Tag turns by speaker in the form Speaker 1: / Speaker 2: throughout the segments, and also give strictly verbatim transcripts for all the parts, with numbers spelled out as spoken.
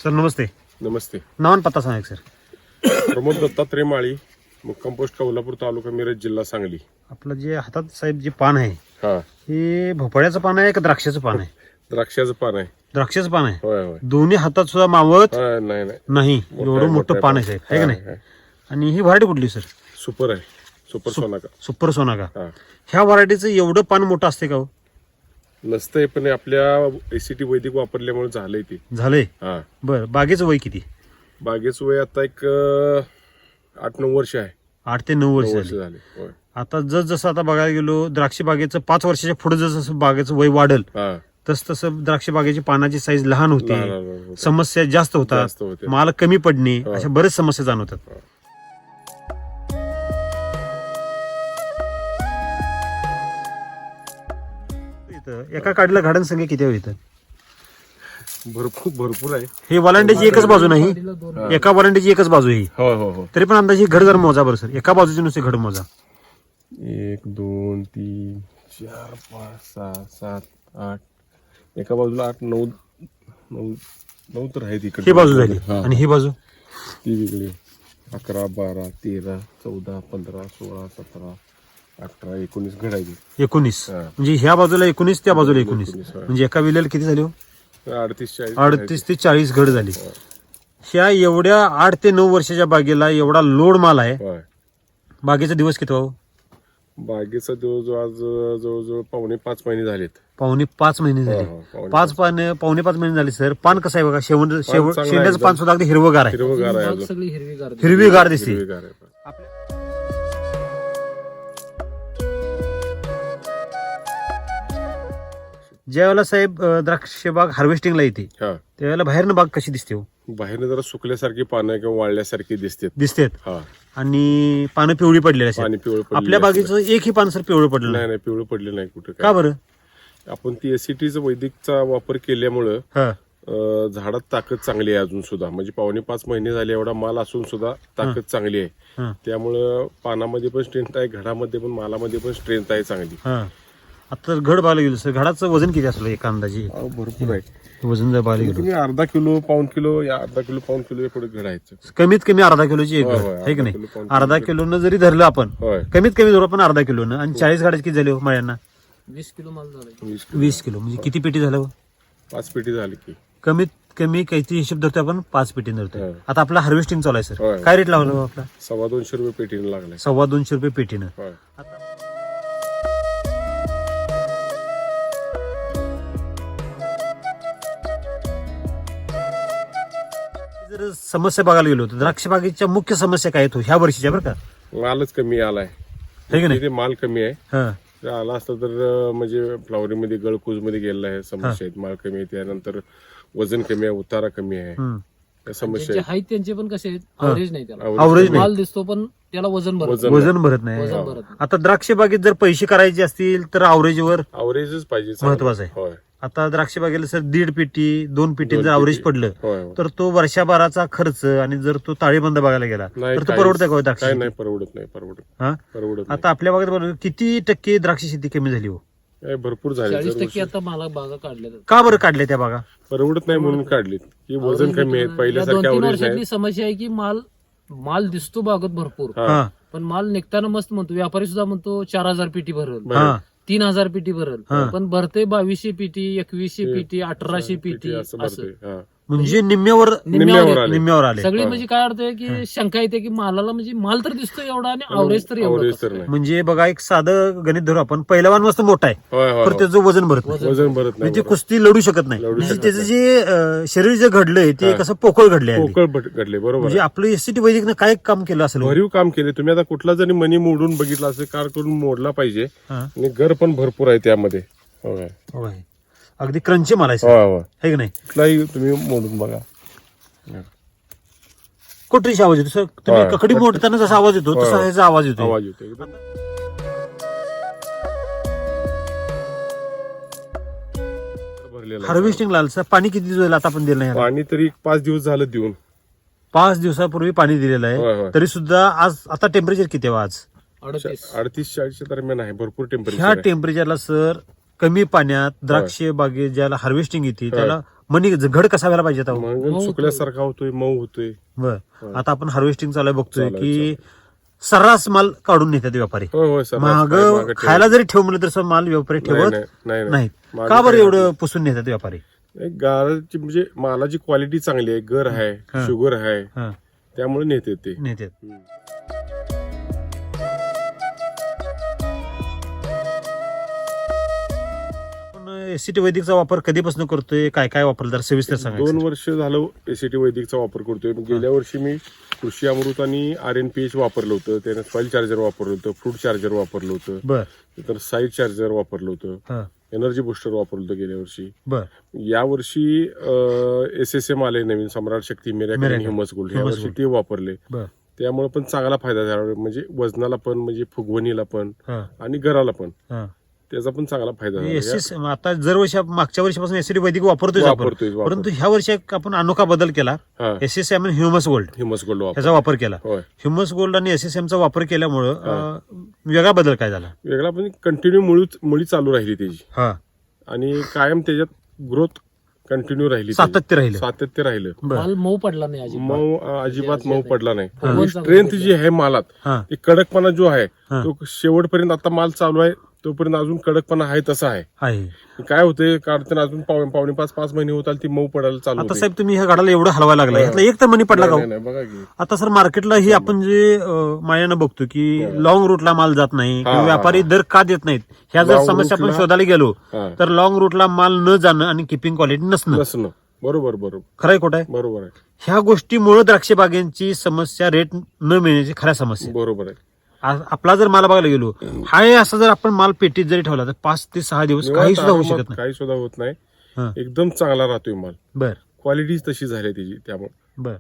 Speaker 1: Sir नमस्ते.
Speaker 2: नमस्ते.
Speaker 1: नाव आणि पत्ता सांगा एक सर.
Speaker 2: प्रमोद दत्तात्रय माळी, मुक्काम पोस्ट कौलापूर, तालुका मिरज, जिल्हा सांगली.
Speaker 1: आपलं जे हातात साहेब जे पान आहे
Speaker 2: हा,
Speaker 1: हे भोपळ्याचं पान आहे का द्राक्षाचं पान आहे?
Speaker 2: द्राक्षाचं पान आहे.
Speaker 1: द्राक्षाचं पान आहे.
Speaker 2: होय होय.
Speaker 1: दोन्ही हातात सुद्धा मावत
Speaker 2: हा, नाही नाही
Speaker 1: नाही
Speaker 2: मोठं
Speaker 1: एवढं
Speaker 2: आहे,
Speaker 1: मोठं
Speaker 2: मोठं
Speaker 1: पान
Speaker 2: आहे.
Speaker 1: आहे साहेब, आहे का
Speaker 2: हा,
Speaker 1: नाही?
Speaker 2: हा.
Speaker 1: आणि ही व्हरायटी कुठली सर?
Speaker 2: सुपर आहे, सुपर सोनाका.
Speaker 1: सुपर सोनाका.
Speaker 2: हा,
Speaker 1: ह्या व्हरायटीचं एवढं पान मोठं असते का हो?
Speaker 2: नसतंय, पण आपल्या एसीटी वैदिक वापरल्यामुळे झालंय ते.
Speaker 1: झालंय.
Speaker 2: हा,
Speaker 1: बरं, बागेचं वय किती?
Speaker 2: बागेचं वय आता एक अं, आठ नऊ वर्ष आहे.
Speaker 1: आठ ते नऊ वर्ष
Speaker 2: नऊ वर्ष
Speaker 1: झाली.
Speaker 2: झाले. होय.
Speaker 1: आता जस जसं आता बघायला गेलो द्राक्ष बागेचं पाच वर्षाच्या पुढे जसं जसं बागेचं वय वाढल
Speaker 2: हा,
Speaker 1: तस तसं द्राक्ष बागेची पानाची साईज लहान होते,
Speaker 2: लहान लहान होते.
Speaker 1: समस्या जास्त होतात,
Speaker 2: जास्त होते.
Speaker 1: माल कमी पडणे,
Speaker 2: हा.
Speaker 1: अशा बरेच समस्या जाणवतात.
Speaker 2: हा.
Speaker 1: इथं एका काडीला गार्डन संख्या किती आहे इथं?
Speaker 2: भरपूर भरपूर आहे.
Speaker 1: हे वलांड्याची एकच बाजू नाही, एका वलांड्याची एकच बाजू आहे ही.
Speaker 2: हो हो हो.
Speaker 1: तरी पण अंदाजे घड जर मोजा बरं सर, एका बाजूचे नुसते घड मोजा.
Speaker 2: एक दोन तीन चार पाच सहा सात आठ, एका बाजूला आठ नऊ नऊ नऊ तर आहेत इकडे.
Speaker 1: ही बाजू झाली
Speaker 2: हा.
Speaker 1: आणि ही बाजू
Speaker 2: ती वेगळी. अकरा बारा तेरा चौदा पंधरा सोळा सतरा अठरा एकोणीस घडायची.
Speaker 1: एकोणीस.
Speaker 2: हा.
Speaker 1: म्हणजे ह्या बाजूला एकोणीस, त्या बाजूला एकोणीस,
Speaker 2: एकोणीस, हा.
Speaker 1: म्हणजे एका विलेला किती झाले हो?
Speaker 2: अडतीस चाळीस
Speaker 1: अडतीस ते चाळीस घड झाली. ह्या एवढ्या आठ ते नऊ वर्षाच्या बागेला एवढा लोड माल आहे.
Speaker 2: होय.
Speaker 1: बागेचा दिवस किती हो?
Speaker 2: बागेचा जवळजवळ आज जवळजवळ पावणे पाच महिने झालेत.
Speaker 1: पावणे पाच महिने
Speaker 2: हो,
Speaker 1: झाले.
Speaker 2: हो, पावणे
Speaker 1: पाच पान पावणे पाच महिने झाले सर. पान कसं आहे बघा, शेवट शेवट
Speaker 2: चांगलं आहे
Speaker 1: शेंड्याचं
Speaker 2: एकदम.
Speaker 1: पान सुद्धा अगदी हिरवगार आहे,
Speaker 2: हिरवगार आहे
Speaker 3: बाग
Speaker 2: अजून.
Speaker 3: सगळी हिरवीगार दिसते.
Speaker 1: हिरवीगार दिसते.
Speaker 2: हिरवीगार आहे.
Speaker 1: ज्यावेळेला साहेब अं, द्राक्ष बाग हार्वेस्टिंगला येते
Speaker 2: हा,
Speaker 1: त्यावेळेला बाहेरनं बाग कशी दिसते हो?
Speaker 2: बाहेरनं जरा सुकल्यासारखी पानं किंवा वाळल्यासारखी दिसतात.
Speaker 1: दिसतेत
Speaker 2: हा,
Speaker 1: आणि पानं पिवळी पडलेली असतात.
Speaker 2: पाणी पिवळं पडलेलं
Speaker 1: आपल्या
Speaker 2: असतं.
Speaker 1: बागेचं एकही पान सर पिवळं पडलं
Speaker 2: नाही
Speaker 1: नाही.
Speaker 2: नाही पिवळं पडलं नाही कुठं
Speaker 1: का
Speaker 2: काय.
Speaker 1: बरं?
Speaker 2: आपण ती एसीटीचा वैदिकचा वापर केल्यामुळं
Speaker 1: हा.
Speaker 2: अं, झाडात ताकद चांगली आहे अजून सुद्धा. म्हणजे पावणे पाच महिने झाले एवढा माल असून सुद्धा ताकद चांगली आहे.
Speaker 1: हा.
Speaker 2: त्यामुळं पानामध्ये पण स्ट्रेंथ आहे, घडामध्ये पण मालामध्ये पण स्ट्रेंथ आहे चांगली.
Speaker 1: हा. आता तर घड बघायला गेलो सर, घडाचं वजन किती असलं एका अंदाजे?
Speaker 2: अहो, भरपूर आहे.
Speaker 1: वजन जर बघायला गेलो
Speaker 2: तुम्ही अर्धा किलो पाऊन किलो या अर्धा किलो पाऊन किलो या पुढे घड आहेत.
Speaker 1: कमीत कमी अर्धा किलोची एक
Speaker 2: होय,
Speaker 1: घड
Speaker 2: होय,
Speaker 1: आहे की
Speaker 2: अर्धा
Speaker 1: नाही?
Speaker 2: किलो, पाऊण
Speaker 1: अर्धा
Speaker 2: किलो.
Speaker 1: किलोनं जरी धरलं आपण,
Speaker 2: होय.
Speaker 1: कमीत कमी धरू आपण अर्धा किलोनं, आणि चाळीस गाड्या किती झाले हो मळ्यांना?
Speaker 3: वीस किलो माल झाला.
Speaker 2: वीस किलो.
Speaker 1: वीस किलो म्हणजे किती पेटी झालं हो?
Speaker 2: पाच पेटी झाली की.
Speaker 1: कमीत कमी काहीतरी हिशोब धरतो आपण, पाच पेटी धरतो.
Speaker 2: होय.
Speaker 1: आता आपला हार्वेस्टिंग चालू आहे सर,
Speaker 2: होय.
Speaker 1: काय रेट लावला हो आपला?
Speaker 2: सव्वा दोनशे रुपये पेटीने लागलाय.
Speaker 1: सव्वा दोनशे रुपये पेटीनं.
Speaker 2: होय.
Speaker 1: जर समस्या बघायला गेलो तर द्राक्ष बागेच्या मुख्य समस्या काय आहेत हो ह्या वर्षीच्या बरं का?
Speaker 2: मालच कमी आलाय.
Speaker 1: है की नाही?
Speaker 2: इथे माल कमी आहे.
Speaker 1: हा.
Speaker 2: जर आला असता तर अं, म्हणजे फ्लावरिंग मध्ये गळकूज मध्ये गेलेला आहे. समस्या आहेत. माल कमी आहे, त्यानंतर वजन कमी आहे, उतारा कमी आहे.
Speaker 1: हम्म.
Speaker 2: या समस्या
Speaker 3: ज्यांचे
Speaker 2: आहेत.
Speaker 3: आहेत त्यांचे पण कसे आहेत, अवरेज नाही त्याला.
Speaker 2: Average
Speaker 1: Average नाही.
Speaker 3: माल दिसतो पण त्याला वजन भरत
Speaker 2: वजन
Speaker 1: वजन भरत नाही.
Speaker 3: वजन भरत नाही.
Speaker 1: आता द्राक्ष बागेत जर पैसे करायचे असतील तर अवरेजवर
Speaker 2: अवरेजच पाहिजे चांगलं.
Speaker 1: महत्वाचं आहे.
Speaker 2: होय.
Speaker 1: आता द्राक्ष बागेला सर दीड पेटी दोन पेटी
Speaker 2: दोन
Speaker 1: जर अवरेज
Speaker 2: पेटी.
Speaker 1: पडलं
Speaker 2: होय, होय.
Speaker 1: तर तो वर्षभराचा खर्च, आणि जर तो ताळेबंद बघायला गेला
Speaker 2: नाही,
Speaker 1: तर तो
Speaker 2: काहीच-
Speaker 1: परवडतं का हो द्राक्ष
Speaker 2: काय
Speaker 1: शेती?
Speaker 2: नाही परवडत नाही परवडत
Speaker 1: हा?
Speaker 2: परवडत
Speaker 1: आता आपल्या बागेत बघा, किती टक्के द्राक्ष शेती कमी झाली हो?
Speaker 2: नाही. काय भरपूर झाले.
Speaker 3: चाळीस
Speaker 2: दरवर्षी.
Speaker 3: टक्के आता मला बागा काढल्या जातात.
Speaker 1: का बरं काढले त्या बागा?
Speaker 2: परवडत नाही म्हणून काढलीत की वजन कमी आहे.
Speaker 3: या
Speaker 2: पहिल्यासारखे
Speaker 3: दोन तीन
Speaker 2: अवरेज
Speaker 3: वर्षातली
Speaker 2: नाही.
Speaker 3: समस्या आहे की माल माल दिसतो बागत भरपूर,
Speaker 2: हा.
Speaker 1: हा.
Speaker 3: पण माल निघताना मस्त म्हणतो, व्यापारी सुद्धा म्हणतो चार हजार पेटी भरल,
Speaker 2: बरं.
Speaker 1: हा.
Speaker 3: तीन हजार पेटी भरल,
Speaker 1: हा.
Speaker 3: पण भरते बावीसशे पेटी, एकवीसशे पेटी, अठराशे पेटी
Speaker 2: असं
Speaker 3: असं.
Speaker 2: भरते. हा.
Speaker 1: म्हणजे निम्म्यावर
Speaker 2: निम्म्यावर आले.
Speaker 1: निम्म्यावर आले.
Speaker 3: सगळी म्हणजे काय अर्थ आहे की शंका येते की मालाला म्हणजे माल तर दिसतो एवढा आणि अवरेज तर एवढं
Speaker 2: अवरेज
Speaker 3: कसं
Speaker 2: तर
Speaker 3: काय?
Speaker 2: नाही.
Speaker 1: म्हणजे बघा, एक साधं गणित धरू आपण, पहिलवान मस्त मोठा आहे
Speaker 2: होय होय,
Speaker 1: पण
Speaker 2: होय.
Speaker 1: त्याचं वजन भरत नाही,
Speaker 2: वजन भरत नाही.
Speaker 1: म्हणजे
Speaker 2: बरोबर.
Speaker 1: कुस्ती लढू शकत नाही.
Speaker 2: लढू
Speaker 1: म्हणजे
Speaker 2: शकत
Speaker 1: त्याचं
Speaker 2: नाही.
Speaker 1: जे अं, शरीर जे घडलंय ते
Speaker 2: हा.
Speaker 1: कसं पोकळ घडलंय अगदी.
Speaker 2: पोकळ भट- घडले बरोबर
Speaker 1: म्हणजे
Speaker 2: आहे.
Speaker 1: आपलं एसटी वैदिकनं काय काम केलं असेल हो?
Speaker 2: भरीव काम केले तुम्ही. आता कुठला जरी मनी मोडून बघितला असेल, कार करून मोडला पाहिजे.
Speaker 1: हा.
Speaker 2: आणि घर पण भरपूर आहे त्यामध्ये. होय
Speaker 1: होय. अगदी क्रंची माल आहे सर,
Speaker 2: होय होय.
Speaker 1: है की नाही?
Speaker 2: कुठलाही तुम्ही मोडून बघा.
Speaker 1: कोटरीचा आवाज येतो सर, तुम्ही
Speaker 2: होय.
Speaker 1: ककडी मोडताना जसा आवाज येतो तसा
Speaker 2: होय.
Speaker 1: ह्याचा आवाज येतो.
Speaker 2: आवाज येतो एकदम. भरलेला आहे.
Speaker 1: हार्वेस्टिंग लाल सर, पाणी किती दिवस झालं आता आपण दिलं नाही याला?
Speaker 2: पाणी तरी पाच दिवस झालं देऊन.
Speaker 1: पाच दिवसापूर्वी पाणी दिलेलं
Speaker 2: होय,
Speaker 1: आहे,
Speaker 2: होय.
Speaker 1: तरी सुद्धा आज आता टेम्परेचर किती आहे आज?
Speaker 3: अडतीस.
Speaker 2: अडतीस चाळीसच्या दरम्यान आहे. भरपूर
Speaker 1: ह्या
Speaker 2: टेम्परेचर.
Speaker 1: टेम्परेचरला सर कमी पाण्यात द्राक्ष बागे ज्याला हार्वेस्टिंग येते त्याला मनी घड कसा व्हायला पाहिजे आता?
Speaker 2: मग सुकल्यासारखा होतोय, मऊ होतोय.
Speaker 1: बर आता आपण हार्वेस्टिंग चालू आहे, बघतोय
Speaker 2: चालू आहे,
Speaker 1: की सर्रास माल काढून नेतात व्यापारी.
Speaker 2: होय होय सर.
Speaker 1: महाग
Speaker 2: मागं ठेवलं.
Speaker 1: खायला जरी ठेव म्हणलं तर माल व्यापारी
Speaker 2: नाही,
Speaker 1: ठेवत
Speaker 2: नाही, नाही,
Speaker 1: नाहीत.
Speaker 2: मागं
Speaker 1: का बरं
Speaker 2: ठेवलं.
Speaker 1: एवढं पुसून नेतात व्यापारी?
Speaker 2: एक गाळाची म्हणजे मालाची क्वालिटी चांगली आहे, गर आहे,
Speaker 1: हा.
Speaker 2: शुगर आहे,
Speaker 1: हा,
Speaker 2: त्यामुळे नेते ते.
Speaker 1: नेतात. एसीटी वैदिकचा वापर कधीपासून करतोय, काय काय वापरलं जरा सविस्तर सांगा.
Speaker 2: दोन वर्ष झालं एसीटी वैदिकचा वापर करतोय. गेल्या वर्षी मी कृषी अमृत आणि आर एन पी एच वापरलं होतं, त्याने सॉइल चार्जर वापरलं होतं, फ्रूट चार्जर वापरलं होतं,
Speaker 1: बर
Speaker 2: नंतर साईड चार्जर वापरलं होतं,
Speaker 1: हा
Speaker 2: एनर्जी बुस्टर वापरलं होतं गेल्या वर्षी.
Speaker 1: बर
Speaker 2: या वर्षी एस एस एम आले नवीन, Samrat Shakti, miracle,
Speaker 1: Miracle,
Speaker 2: humus gold, या
Speaker 1: Humus
Speaker 2: वर्षी
Speaker 1: Gold.
Speaker 2: ते वापरले.
Speaker 1: बर
Speaker 2: त्यामुळे पण चांगला फायदा झाला, म्हणजे वजनाला पण, म्हणजे फुगवणीला पण
Speaker 1: हा
Speaker 2: आणि गराला पण
Speaker 1: हा
Speaker 2: त्याचा पण चांगला फायदा झाला.
Speaker 1: एसएस आता जर वर्षी मागच्या वर्षीपासून एसीटी वैदिक वापरतोय आपण,
Speaker 2: वापरतोय, वापरतोय.
Speaker 1: परंतु ह्या वर्षी एक आपण अनोखा बदल केला.
Speaker 2: हा
Speaker 1: एसएसएम आणि ह्युमस गोल्ड
Speaker 2: ह्युमस गोल्ड वापर
Speaker 1: ह्याचा वापर केला.
Speaker 2: होय.
Speaker 1: ह्युमस गोल्ड आणि एसएसएमचा वापर केल्यामुळं अं, वेगळा बदल काय झाला?
Speaker 2: वेगळा पण कंटिन्यू मुळी मुळी चालू राहिली त्याची
Speaker 1: हा
Speaker 2: आणि कायम त्याच्यात ग्रोथ कंटिन्यू राहिली त्याची.
Speaker 1: सातत्य राहिलं.
Speaker 2: सातत्य राहिलं.
Speaker 1: बर
Speaker 3: माल मऊ पडला नाही अजिबात.
Speaker 2: मऊ अं, अजिबात मऊ पडला नाही.
Speaker 3: हा.
Speaker 2: आणि स्ट्रेंथ जी आहे मालात,
Speaker 1: हा
Speaker 2: ती कडकपणा जो आहे
Speaker 1: हा.
Speaker 2: तो शेवटपर्यंत, आता माल चालू आहे तोपर्यंत अजून कडकपणा आहे तसा आहे.
Speaker 1: आहे.
Speaker 2: काय होते काढताना अजून पाव- पावणे पाच पाच महिने होतात ती मऊ पडायला चालू
Speaker 1: आता
Speaker 2: होते.
Speaker 1: साहेब तुम्ही ह्या गाडाला एवढं हलवायला लागला, ह्यातला एक तर मनी पडला का?
Speaker 2: नाही, नाही, बघा की
Speaker 1: आता सर मार्केटला ही आपण जे अं, मायानं बघतो की लॉंग रूटला माल जात नाही किंवा
Speaker 2: हा,
Speaker 1: व्यापारी दर का देत नाहीत, ह्या जर
Speaker 2: Long
Speaker 1: समस्या आपण
Speaker 2: route ला-
Speaker 1: शोधायला गेलो
Speaker 2: हा.
Speaker 1: तर लॉंग रूटला माल न जाणं आणि किपिंग क्वालिटी नसणं
Speaker 2: नसणं. बरोबर बरोबर
Speaker 1: खरंय खोट आहे?
Speaker 2: बरोबर आहे.
Speaker 1: ह्या गोष्टीमुळे द्राक्ष बागेंची समस्या, रेट न मिळण्याची खऱ्या समस्या.
Speaker 2: बरोबर आहे.
Speaker 1: आ- आपला जर माल बघायला गेलो, हाय असा जर आपण माल पेटीत जरी ठेवला तर पाच ते सहा दिवस काही सुद्धा होऊ
Speaker 2: आरामात
Speaker 1: शकत नाही.
Speaker 2: काही सुद्धा होत नाही.
Speaker 1: हा.
Speaker 2: एकदम चांगला राहतोय माल.
Speaker 1: बर
Speaker 2: क्वालिटी तशी झाली त्याची, त्यामुळे
Speaker 1: बर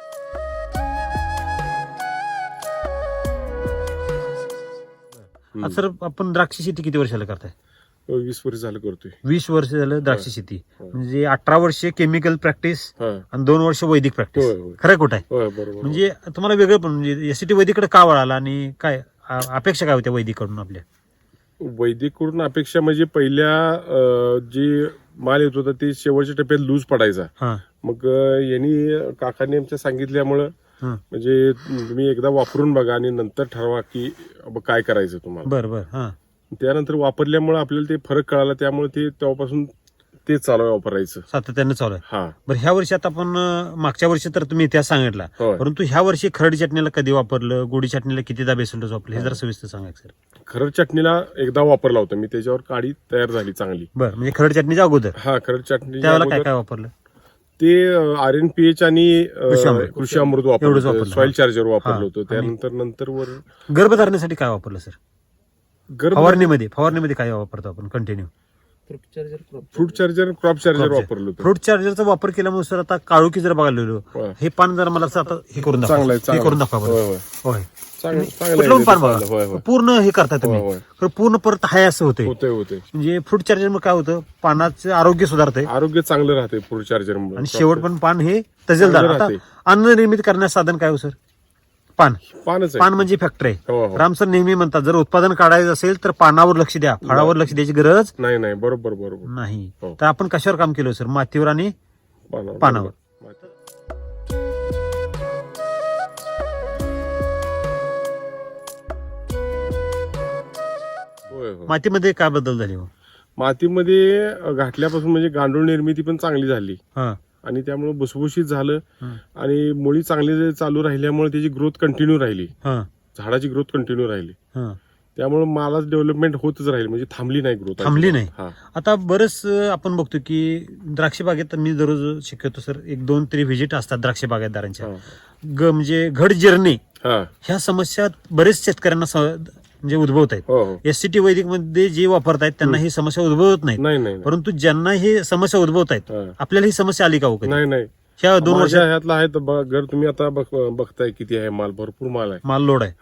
Speaker 1: आता सर आपण द्राक्ष शेती किती वर्षाला करताय?
Speaker 2: वीस वर्ष झालं करतोय.
Speaker 1: वीस वर्ष झालं द्राक्ष शेती, म्हणजे अठरा वर्ष केमिकल प्रॅक्टिस
Speaker 2: हा.
Speaker 1: आणि दोन वर्ष वैदिक प्रॅक्टिस.
Speaker 2: होय, होय.
Speaker 1: खरं खोट आहे?
Speaker 2: होय, बरोबर.
Speaker 1: म्हणजे तुम्हाला वेगळं पण म्हणजे एसीटी वैदिकडे का वळाला आणि काय आ- अपेक्षा काय होत्या वैदिकडून आपल्या?
Speaker 2: वैदिक कडून अपेक्षा म्हणजे पहिल्या अं, जी माल येत होता ते शेवटच्या टप्प्यात लूज पडायचा.
Speaker 1: हा
Speaker 2: मग अं, यांनी काकांनी आमच्या सांगितल्यामुळं
Speaker 1: हा
Speaker 2: म्हणजे तुम्ही एकदा वापरून बघा आणि नंतर ठरवा की अब काय करायचं तुम्हाला.
Speaker 1: बर बर हा
Speaker 2: त्यानंतर वापरल्यामुळे आपल्याला ते फरक कळाला, त्यामुळे ते तेव्हापासून ते चालू आहे वापरायचं.
Speaker 1: सातत्याने चालू आहे.
Speaker 2: हा
Speaker 1: बरं ह्या वर्षी आता आपण अं, मागच्या वर्षी तर तुम्ही इतिहास सांगितला,
Speaker 2: होय.
Speaker 1: परंतु ह्या वर्षी खरड चटणीला कधी वापरलं, गोडी चटणीला कितीदा बेसल डोस वापरलं, हे जरा सविस्तर सांगा सर.
Speaker 2: खरड चटणीला एकदा वापरला होता मी, त्याच्यावर काडी तयार झाली चांगली.
Speaker 1: बरं म्हणजे खरड चटणीच्या अगोदर
Speaker 2: हा खरड चटणी
Speaker 1: त्यावेळेला काय काय वापरलं?
Speaker 2: ते आर एन पी एच आणि अं,
Speaker 1: कृषी अमृत.
Speaker 2: कृषी अमृत
Speaker 1: एवढंच
Speaker 2: वापरलं
Speaker 1: वापरलं.
Speaker 2: होतं, सॉइल चार्जर वापरलं
Speaker 1: हा.
Speaker 2: होतं. त्यानंतर नंतर वर
Speaker 1: गर्भधारणेसाठी काय वापरलं सर?
Speaker 2: गर्भ
Speaker 1: फवारणीमध्ये फवारणीमध्ये काय वापरतो आपण continue?
Speaker 3: Fruit charger, crop
Speaker 2: fruit charger, crop charger वापरलं होतं.
Speaker 1: फ्रूट चार्जरचा वापर केल्यामुळे सर आता काळोखी जर बघायला गेलो,
Speaker 2: होय.
Speaker 1: हे पान जर मला असं आता हे करून दाखवा,
Speaker 2: चांगलं आहे,
Speaker 1: हे
Speaker 2: चांगलं
Speaker 1: करून
Speaker 2: आहे.
Speaker 1: दाखवा
Speaker 2: होय,
Speaker 1: बरं.
Speaker 2: होय.
Speaker 1: होय
Speaker 2: चांगलं चांगलं
Speaker 1: कुठलं पण
Speaker 2: आहे
Speaker 1: पान
Speaker 2: ते चांगलं. होय,
Speaker 1: बघा,
Speaker 2: होय.
Speaker 1: पूर्ण हे करता तुम्ही,
Speaker 2: होय, होय.
Speaker 1: खरं पूर्ण परत हाय असं होतंय.
Speaker 2: होतंय होतंय.
Speaker 1: म्हणजे फ्रूट चार्जर मग काय होतं, पानाचं आरोग्य सुधारतंय
Speaker 2: आरोग्य चांगलं राहते फ्रूट चार्जर
Speaker 1: आणि शेवट पण पान हे तजेलदार.
Speaker 2: चांगलं
Speaker 1: आता
Speaker 2: राहते.
Speaker 1: अन्न निर्मिती करण्याचं साधन काय हो सर? पान.
Speaker 2: पानच
Speaker 1: पान म्हणजे फॅक्टरी.
Speaker 2: हो, हो.
Speaker 1: राम सर नेहमी म्हणतात जर उत्पादन काढायचं असेल तर पानावर लक्ष द्या, फळावर लक्ष द्यायची गरज
Speaker 2: नाही नाही बरोबर बरोबर.
Speaker 1: नाही.
Speaker 2: हो.
Speaker 1: तर आपण कशावर काम केलं सर? मातीवर आणि
Speaker 2: पानावर
Speaker 1: पानावर.
Speaker 2: होय होय.
Speaker 1: मातीमध्ये काय बदल झाले हो?
Speaker 2: मातीमध्ये अं, घातल्यापासून म्हणजे गांडूळ निर्मिती पण चांगली झाली
Speaker 1: हा
Speaker 2: आणि त्यामुळे भुसभुशीत झालं
Speaker 1: हं.
Speaker 2: आणि मुळी चांगली चालू राहिल्यामुळे त्याची ग्रोथ कंटिन्यू राहिली,
Speaker 1: हा
Speaker 2: झाडाची ग्रोथ कंटिन्यू राहिली.
Speaker 1: हा
Speaker 2: त्यामुळे मालाच डेव्हलपमेंट होतच राहील, म्हणजे थांबली नाही ग्रोथ.
Speaker 1: थांबली नाही.
Speaker 2: हा
Speaker 1: आता बरंच अं, आपण बघतो की द्राक्ष बागेत मी दररोज शिकवतो सर, एक दोन तरी व्हिजिट असतात द्राक्ष बागायतदारांच्या.
Speaker 2: हा.
Speaker 1: ग म्हणजे घड जिरणे
Speaker 2: हा
Speaker 1: ह्या समस्या बरेच शेतकऱ्यांना स- म्हणजे उद्भवत आहेत.
Speaker 2: हो हो.
Speaker 1: एससीटी वैदिक मध्ये जे वापरतायत त्यांना ही समस्या उद्भवत नाहीत,
Speaker 2: नाही नाही नाही.
Speaker 1: परंतु ज्यांना ही समस्या उद्भवत आहेत
Speaker 2: हा.
Speaker 1: आपल्याला ही समस्या आली का हो कधी?
Speaker 2: नाही नाही.
Speaker 1: ह्या दोन
Speaker 2: माझ्या
Speaker 1: वर्षात
Speaker 2: ह्यातला आहे तर बघ- घर तुम्ही आता बघ- बघताय किती आहे माल, भरपूर माल आहे.
Speaker 1: माल लोड आहे.
Speaker 2: हा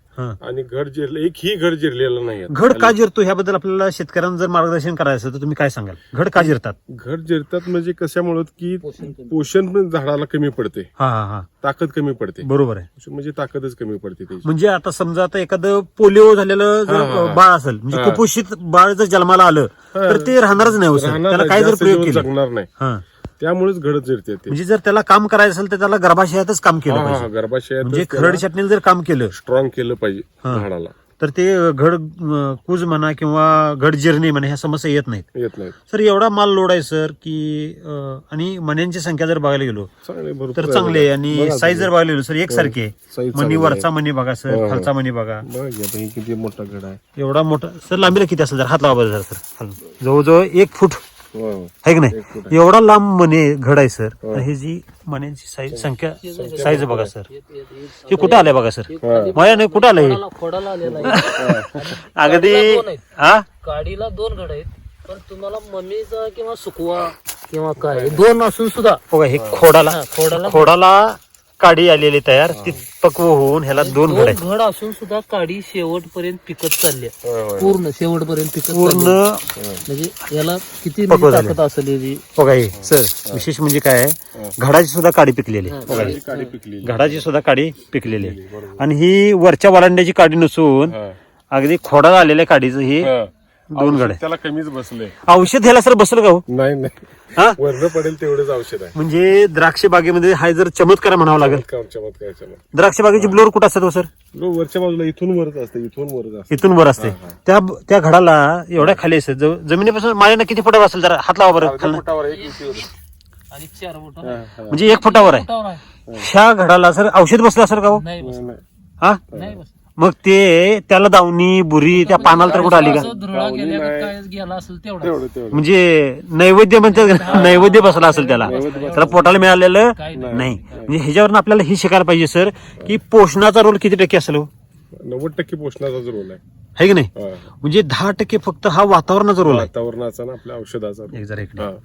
Speaker 1: हा.
Speaker 2: आणि घड जिरलं एकही घड जिरलेलं नाही आहे.
Speaker 1: घड का जिरतो ह्याबद्दल आपल्याला शेतकऱ्यांना जर मार्गदर्शन करायचं असेल तर तुम्ही काय सांगाल? घड का जिरतात?
Speaker 2: घड जिरतात म्हणजे कशामुळे की
Speaker 3: पोषण कमी.
Speaker 2: पोषण पण झाडाला कमी पडते,
Speaker 1: हा हा हा
Speaker 2: ताकद कमी पडते,
Speaker 1: बरोबर आहे.
Speaker 2: म्हणजे ताकदच कमी पडते त्याची.
Speaker 1: म्हणजे आता समजा आता एखादं पोलिओ झालेलं जर
Speaker 2: हा, हा, हा.
Speaker 1: बाळ असेल म्हणजे
Speaker 2: हा.
Speaker 1: कुपोषित बाळ जर जन्माला आलं तर ते राहणारच नाही हो सर.
Speaker 2: राहणार
Speaker 1: त्याला
Speaker 2: नाही,
Speaker 1: काय जर
Speaker 2: जास्त
Speaker 1: प्रयोग
Speaker 2: दिवस
Speaker 1: केले
Speaker 2: जगणार नाही,
Speaker 1: हा
Speaker 2: त्यामुळेच घडत जिरते ते.
Speaker 1: म्हणजे जर त्याला काम करायचं असेल तर त्याला गर्भाशयातच काम केलं
Speaker 2: हा, हा,
Speaker 1: पाहिजे.
Speaker 2: गर्भाशयात
Speaker 1: म्हणजे खरड छाटणीला जर काम केलं
Speaker 2: स्ट्रॉंग केलं पाहिजे
Speaker 1: हा.
Speaker 2: झाडाला,
Speaker 1: तर ते घड अं, कूज म्हणा किंवा घड जिरणे म्हणा ह्या समस्या येत नाहीत.
Speaker 2: येत नाही.
Speaker 1: सर एवढा माल लोड आहे सर की अं, आणि मण्यांची संख्या जर बघायला गेलो
Speaker 2: चांगले भरपूर
Speaker 1: तर
Speaker 2: आहे.
Speaker 1: चांगले आहे. आणि
Speaker 2: बघा
Speaker 1: साईज जर
Speaker 2: तुम्ही.
Speaker 1: बघायला गेलो सर एकसारखे आहे.
Speaker 2: साईज
Speaker 1: मणी
Speaker 2: चांगली
Speaker 1: वरचा
Speaker 2: आहे.
Speaker 1: मणी बघा
Speaker 2: हो,
Speaker 1: सर,
Speaker 2: हो.
Speaker 1: खालचा मणी बघा.
Speaker 2: बघा की आता हे किती मोठा घड आहे.
Speaker 1: एवढा मोठा सर लांबीला किती असेल जर हात लावा बरं सर खालून. जवळजवळ एक फूट
Speaker 2: हो, हो.
Speaker 1: आहे की नाही?
Speaker 2: एक फूट आहे.
Speaker 1: एवढा लांब मणी घड आहे सर.
Speaker 2: हो.
Speaker 1: तर हे जी मण्यांची साईज संख्या साईज बघा सर.
Speaker 3: हे- हे- हे-
Speaker 1: हे कुठं आलंय बघा सर.
Speaker 2: हा.
Speaker 1: माया नाही कुठं आलंय हे?
Speaker 3: खोडाला- खोडाला आलेला आहे.
Speaker 1: अगदी
Speaker 3: काडीला दोन आहेत.
Speaker 1: हा
Speaker 3: काडीला दोन घड आहेत, पण तुम्हाला मम्मीचा किंवा सुकवा किंवा काय दोन असून सुद्धा
Speaker 1: बघा हे खोडाला
Speaker 3: हा, खोडाला
Speaker 1: खोडाला काडी आलेली तयार ती पक्व होऊन ह्याला दोन घड
Speaker 3: दोन
Speaker 1: आहेत.
Speaker 3: घड असून सुद्धा काडी शेवटपर्यंत पिकत चालली आहे.
Speaker 2: होय, होय.
Speaker 3: पूर्ण शेवटपर्यंत पिकत
Speaker 1: पूर्ण
Speaker 3: चालली आहे. म्हणजे याला किती
Speaker 1: पक्व
Speaker 3: म्हणजे
Speaker 1: झाले.
Speaker 3: ताकद असेल याची.
Speaker 1: बघा हे सर विशेष म्हणजे काय आहे घडाची सुद्धा काडी पिकलेली आहे. बघा हे.
Speaker 2: ही काडी पिकलेली.
Speaker 1: घडाची सुद्धा काडी पिकलेली आहे. आणि ही वरच्या वलांड्याची काडी नसून
Speaker 2: हा.
Speaker 1: अगदी खोडाला आलेल्या काडीचं हे
Speaker 2: हा.
Speaker 1: दोन घड आहे.
Speaker 2: त्याला कमीच बसले.
Speaker 1: औषध ह्याला सर बसलं का हो?
Speaker 2: नाही नाही,
Speaker 1: हा
Speaker 2: वर्ण पडेल तेवढंच औषध आहे.
Speaker 1: म्हणजे द्राक्ष बागेमध्ये हा जर चमत्कार म्हणावा लागेल.
Speaker 2: चमत्कार चमत्कार चमत्कार.
Speaker 1: द्राक्ष बागेची ब्लोअर कुठं असतात हो सर?
Speaker 2: लो, वरच्या बाजूला इथून वरच असते, इथून वरच असते.
Speaker 1: इथून वर असते. त्या त्या घडाला एवढ्या खाली असते जव- जमिनीपासून माझ्या किती फुटावर असेल जरा हात लावा बरं
Speaker 2: अर्ध्या
Speaker 1: खाली.
Speaker 2: फुटावर एक इंचीवर.
Speaker 3: आणि चार बोटं
Speaker 2: हा, हा.
Speaker 1: म्हणजे एक फुटावर आहे.
Speaker 3: बोटावर आहे.
Speaker 1: ह्या घडाला सर औषध बसलं असेल का हो?
Speaker 3: नाही बस
Speaker 2: नाही,
Speaker 1: हा
Speaker 3: नाही बस
Speaker 1: मग ते त्याला दावणी बुरी त्या पानाला तर कुठं आली का?
Speaker 3: असं धुरळा गेल्या का काय गेला असेल तेवढा
Speaker 2: तेवढं तेवढं.
Speaker 1: म्हणजे नैवेद्य म्हणतात नैवेद्य बसला असेल त्याला. त्याला पोटाला मिळालेलं
Speaker 3: काही
Speaker 1: नाही. म्हणजे ह्याच्यावरून आपल्याला हे शिकायला पाहिजे सर की पोषणाचा रोल किती टक्के असेल हो?
Speaker 2: नव्वद टक्के पोषणाचाच रोल आहे.
Speaker 1: है की नाही?
Speaker 2: हा.
Speaker 1: म्हणजे दहा टक्के फक्त हा वातावरणाचा रोल आहे.
Speaker 2: वातावरणाचा ना आपल्या औषधाचा रोल.
Speaker 1: एक जरा इकडे.
Speaker 2: हा.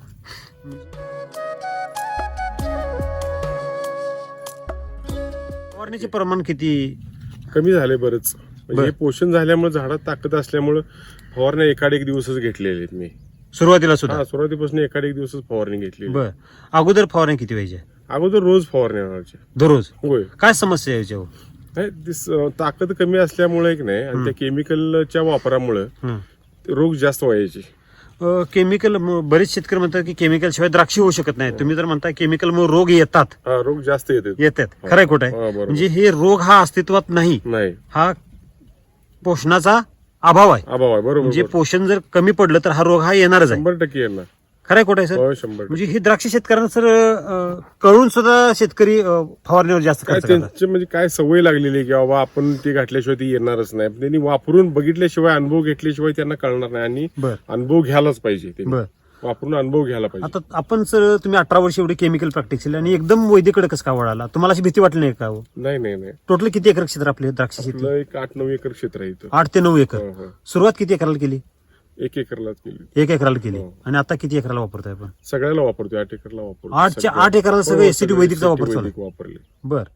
Speaker 1: फवारणीचे प्रमाण किती?
Speaker 2: कमी झाले बरंच. म्हणजे हे पोषण झाल्यामुळे झाडात ताकद असल्यामुळे फवारण्या एकाड एक दिवसच घेतलेले आहेत मी.
Speaker 1: सुरुवातीला सुद्धा
Speaker 2: हा, सुरुवातीपासून एकाड एक दिवसच फवारणी घेतली.
Speaker 1: बर अगोदर फवारणी किती व्हायची?
Speaker 2: अगोदर रोज फवारण्या व्हायच्या.
Speaker 1: दररोज
Speaker 2: होय.
Speaker 1: काय समस्या यायच्या हो?
Speaker 2: नाही, दिस- अं, ताकद कमी असल्यामुळे की नाही आणि त्या केमिकलच्या वापरामुळे
Speaker 1: हं.
Speaker 2: रोग जास्त व्हायचे.
Speaker 1: अ, केमिकल म- बरेच शेतकरी म्हणतात की केमिकल शिवाय द्राक्षी होऊ शकत नाही. तुम्ही जर म्हणता केमिकल मग रोग येतात
Speaker 2: हा, रोग जास्त येतात.
Speaker 1: येतात खरंय खोट
Speaker 2: हा,
Speaker 1: आहे?
Speaker 2: बरोबर.
Speaker 1: म्हणजे हे रोग हा अस्तित्वात नाही,
Speaker 2: नाही,
Speaker 1: हा पोषणाचा अभाव आहे.
Speaker 2: अभाव आहे. बरोबर
Speaker 1: म्हणजे
Speaker 2: बरोबर.
Speaker 1: पोषण जर कमी पडलं तर हा रोग हा येणारच आहे.
Speaker 2: शंभर टक्के येणार.
Speaker 1: खरंय खोट आहे सर?
Speaker 2: हो, शंभर टक्के.
Speaker 1: म्हणजे हे द्राक्ष शेतकऱ्यांना सर अ, कळून सुद्धा शेतकरी अ, फवारणीवर जास्त
Speaker 2: काय
Speaker 1: खर्च करतात.
Speaker 2: त्यांची म्हणजे काय सवय लागलेली आहे की बाबा आपण ती घातल्याशिवाय ती येणारच नाही. त्यांनी वापरून बघितल्याशिवाय अनुभव घेतल्याशिवाय त्यांना कळणार नाही. आणि
Speaker 1: बर
Speaker 2: अनुभव घ्यायलाच पाहिजे. त्यांनी.
Speaker 1: बर
Speaker 2: वापरून अनुभव घ्यायला पाहिजे.
Speaker 1: आता आपण सर तुम्ही अठरा वर्ष एवढी केमिकल प्रॅक्टिस केली आणि एकदम वैदिकडे कसं का वळाला? तुम्हाला अशी भीती वाटली नाही का हो?
Speaker 2: नाही नाही नाही,
Speaker 1: टोटल किती एकर क्षेत्र आपले द्राक्ष शेती?
Speaker 2: आपलं एक आठ नऊ एकर क्षेत्र आहे इथं.
Speaker 1: आठ ते नऊ एकर.
Speaker 2: हो, हो.
Speaker 1: सुरुवात किती एकराला केली?
Speaker 2: एक एकरलाच केली.
Speaker 1: एक एकराला केली.
Speaker 2: हो.
Speaker 1: आणि आता किती एकराला वापरतोय आपण?
Speaker 2: सगळ्याला वापरतोय. आठ एकरला वापरतो.
Speaker 1: आठच्या
Speaker 2: सगळं.
Speaker 1: आठ एकराला सगळं
Speaker 2: हो,
Speaker 1: एसीटी
Speaker 2: सगळं
Speaker 1: वैदिकचा वापर
Speaker 2: SCT
Speaker 1: चालू आहे.
Speaker 2: वैदिक वापरले.
Speaker 1: बर